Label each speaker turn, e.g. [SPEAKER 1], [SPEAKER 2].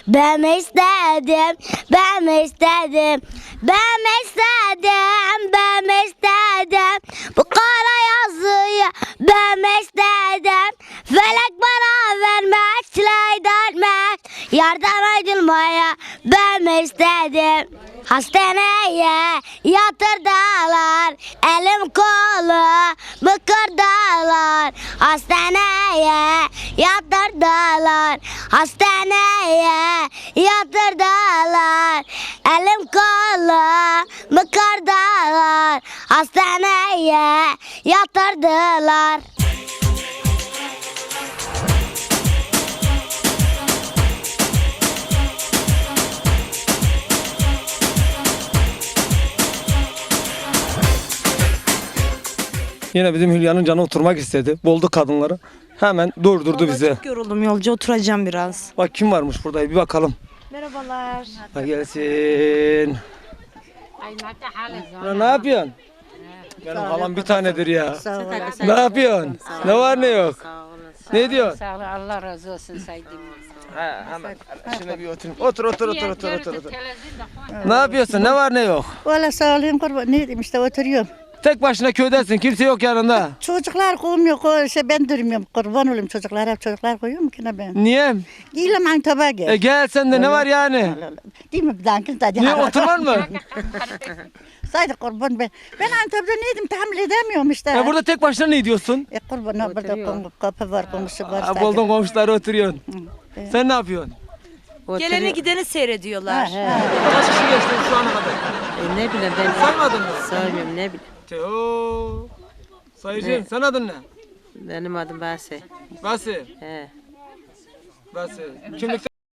[SPEAKER 1] Ben istedim, ben istedim, ben istedim, ben istedim. Bu kara yazıyı ben istedim. Felek bana vermek, çileydenmek, yardım edilmeye ben istedim. Hastaneye yatırdılar, elim kolumu kırdılar. Hastaneye yatırdılar, hastaneye yatırdılar. Elim kolumu kırdılar, hastaneye yatırdılar.
[SPEAKER 2] Yine bizim Hülya'nın canı oturmak istedi. Buldu kadınları. Hemen durdurdu bizi.
[SPEAKER 3] Çok yoruldum yolcu, oturacağım biraz.
[SPEAKER 2] Bak kim varmış burada, bir bakalım.
[SPEAKER 3] Merhabalar.
[SPEAKER 2] Ha gelsin. Ya ne yapıyorsun? Benim halam bir tanedir ya. Ne yapıyorsun? Ne var ne yok? Ne diyorsun?
[SPEAKER 4] Sağ ol, Allah razı olsun saydım.
[SPEAKER 2] Hemen şuna bir oturayım. Otur. Ne yapıyorsun? Ne var ne yok?
[SPEAKER 5] Valla sağ olun kurban. Ne diyeyim işte oturuyorum.
[SPEAKER 2] Tek başına köydesin. Kimse yok yanında.
[SPEAKER 5] Çocuklar koymuyor. Ben durmuyorum. Kurban olayım çocuklar. Hep çocuklar koyuyor mu ki ne ben?
[SPEAKER 2] Niye?
[SPEAKER 5] Giyelim Antep'e gel.
[SPEAKER 2] Gel sen de ne var yani?
[SPEAKER 5] Değil mi bir dakika? Hadi.
[SPEAKER 2] Niye oturman mı?
[SPEAKER 5] Saydı kurban ben. Ben Antep'te neydim tahammül edemiyorum işte.
[SPEAKER 2] Ya burada tek başına ne diyorsun?
[SPEAKER 5] Kurban burada kapı var, komşu var.
[SPEAKER 2] Ha, buldun komşuları oturuyorsun. Sen ne yapıyorsun?
[SPEAKER 3] Geleni gideni seyrediyorlar.
[SPEAKER 2] Kaç kişi geçtin şu ana kadar?
[SPEAKER 4] Ne bileyim ben
[SPEAKER 2] Saymadın mı?
[SPEAKER 4] saymıyorum ne bileyim.
[SPEAKER 2] Teo. Sayıcın, sen adın ne?
[SPEAKER 4] Benim adım Basi.
[SPEAKER 2] Basi.
[SPEAKER 4] He.
[SPEAKER 2] Basi. Kimlikte